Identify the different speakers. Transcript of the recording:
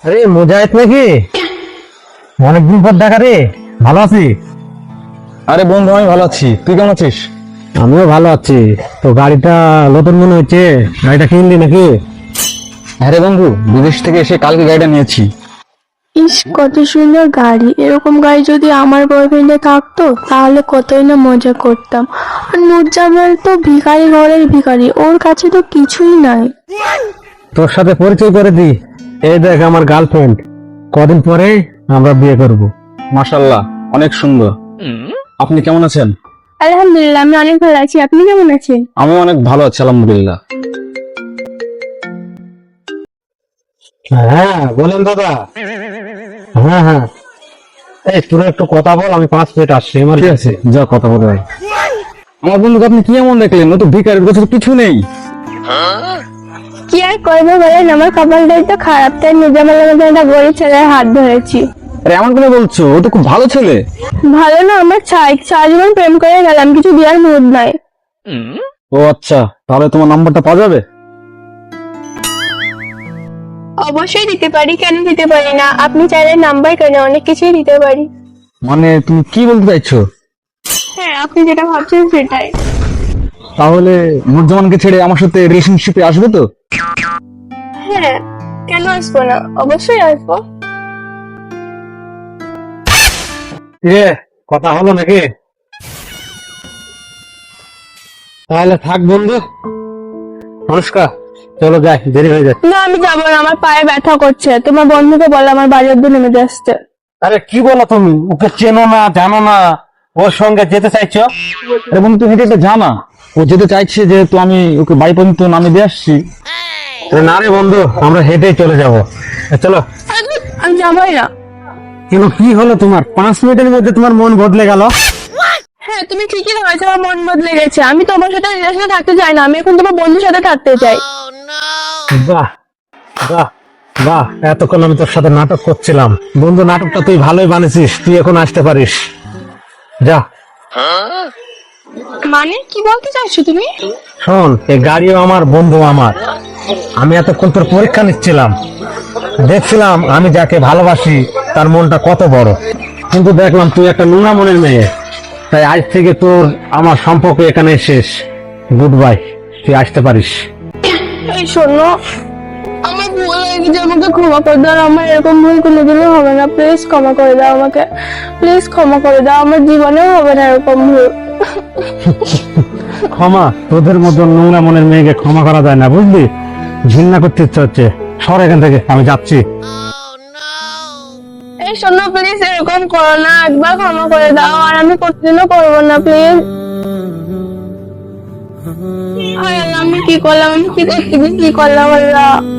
Speaker 1: আরে মুজাহিদ নাকি? অনেকদিন পর দেখা রে। ভালো আছি?
Speaker 2: আরে বন্ধু, আমি ভালো আছি। তুই কেমন আছিস?
Speaker 1: আমিও ভালো আছি। তো গাড়িটা নতুন মনে হচ্ছে, গাড়িটা কিনলি নাকি?
Speaker 2: হ্যাঁ রে বন্ধু, বিদেশ থেকে এসে কালকে গাড়িটা নিয়েছি।
Speaker 3: ইস, কত সুন্দর গাড়ি! এরকম গাড়ি যদি আমার বয়ফ্রেন্ডে থাকতো তাহলে কতই না মজা করতাম। আর নুরজামাল তো ভিখারি ঘরের ভিখারি, ওর কাছে তো কিছুই নাই।
Speaker 1: তোর সাথে পরিচয় করে দি, এই দেখ আমার গার্লফ্রেন্ড। কদিন পরে আমরা বিয়ে করব।
Speaker 2: মাশাআল্লাহ, অনেক সুন্দর। আপনি কেমন আছেন?
Speaker 3: আলহামদুলিল্লাহ, আমি অনেক ভালো আছি। আপনি কেমন আছেন?
Speaker 2: আমি অনেক ভালো আছি, আলহামদুলিল্লাহ।
Speaker 1: হ্যাঁ বলেন দাদা। হ্যাঁ হ্যাঁ, এই তোরা একটু কথা বল, আমি 5 মিনিট আসছি। আমার
Speaker 2: ঠিক আছে, যা কথা বলে ভাই। আমার বন্ধুকে আপনি কি এমন দেখলেন? ও তো ভিখারির কাছে কিছু নেই।
Speaker 3: কি আর করবো বলেন, আমার কপালটাই তো খারাপ, তাই নুরজামালের মধ্যে একটা গরিব ছেলের হাত ধরেছি।
Speaker 2: আরে এমন কেন বলছো? ও তো খুব ভালো ছেলে।
Speaker 3: ভালো না, আমার সারা জীবন প্রেম করে গেলাম, কিছু দেওয়ার মুড নাই।
Speaker 2: ও আচ্ছা, তাহলে তোমার নাম্বারটা পাওয়া যাবে?
Speaker 3: অবশ্যই দিতে পারি, কেন দিতে পারি না? আপনি চাইলে নাম্বার কেন, অনেক কিছুই দিতে পারি।
Speaker 2: মানে তুমি কি বলতে চাইছো?
Speaker 3: হ্যাঁ, আপনি যেটা ভাবছেন সেটাই।
Speaker 2: তাহলে নুরজামানকে ছেড়ে আমার সাথে রিলেশনশিপে আসবে তো?
Speaker 3: হ্যাঁ, কেন আসবো না, অবশ্যই আসবো।
Speaker 1: কথা হলো নাকি? তাহলে থাক বন্ধু। নমস্কার, চলো যাই, দেরি হয়ে যাচ্ছে।
Speaker 3: না, আমি যাবো না, আমার পায়ে ব্যথা করছে। তোমার বন্ধুকে বলো আমার বাড়ি অব্দি নেমে আসতে।
Speaker 1: আরে কি বলো তুমি? ওকে চেনো না, জানো না, ওর সঙ্গে যেতে চাইছো?
Speaker 2: আরে বন্ধু, তুমি এটা জানা ও যেতে চাইছে, যেহেতু আমি ওকে বাড়ি পর্যন্ত নামিয়ে দিয়ে আসছি।
Speaker 1: আরে না রে বন্ধু, আমরা হেঁটেই চলে যাবো। চলো।
Speaker 3: আমি যাবোই না।
Speaker 1: কিন্তু কি হলো তোমার? 5 মিনিটের মধ্যে তোমার মন বদলে গেল?
Speaker 3: হ্যাঁ, তুমি ঠিকই ধরেছো, আমার মন বদলে গেছে। আমি তোমার সাথে রিলেশনে থাকতে চাই না, আমি এখন তোমার বন্ধুর সাথে থাকতে চাই।
Speaker 1: বাহ বাহ বাহ, এতক্ষণ আমি তোর সাথে নাটক করছিলাম। বন্ধু, নাটকটা তুই ভালোই বানিয়েছিস, তুই এখন আসতে পারিস। যা।
Speaker 3: মানে কি বলতে চাইছো তুমি?
Speaker 1: শোন, এই গাড়িও আমার, বন্ধু আমার। আমি এতক্ষণ তোর পরীক্ষা নিচ্ছিলাম, দেখছিলাম আমি যাকে ভালোবাসি তার মনটা কত বড়। কিন্তু দেখলাম তুই একটা নোনা মনের মেয়ে। তাই আজ থেকে তোর আমার সম্পর্ক এখানে শেষ। গুড বাই, তুই আসতে পারিস।
Speaker 3: এই শোনো, আমার ভুল হয়ে গেছে, আমাকে ক্ষমা করে দাও। আমার এরকম ভুল কোনোদিনও হবে না, প্লিজ ক্ষমা করে দাও আমাকে। প্লিজ ক্ষমা করে দাও, আমার জীবনেও হবে না এরকম ভুল।
Speaker 1: ক্ষমা? তোদের মতন নোংরা মনের মেয়েকে ক্ষমা করা যায় না, বুঝলি? ঘৃণা করতে ইচ্ছা হচ্ছে। সর এখান থেকে, আমি যাচ্ছি।
Speaker 3: এই শোনো, প্লিজ এরকম করো না, একবার ক্ষমা করে দাও, আর আমি কোনোদিনও করবো না, প্লিজ। হায় আল্লাহ, আমি কি করলাম? আমি কি করতে গিয়ে কি করলাম আল্লাহ?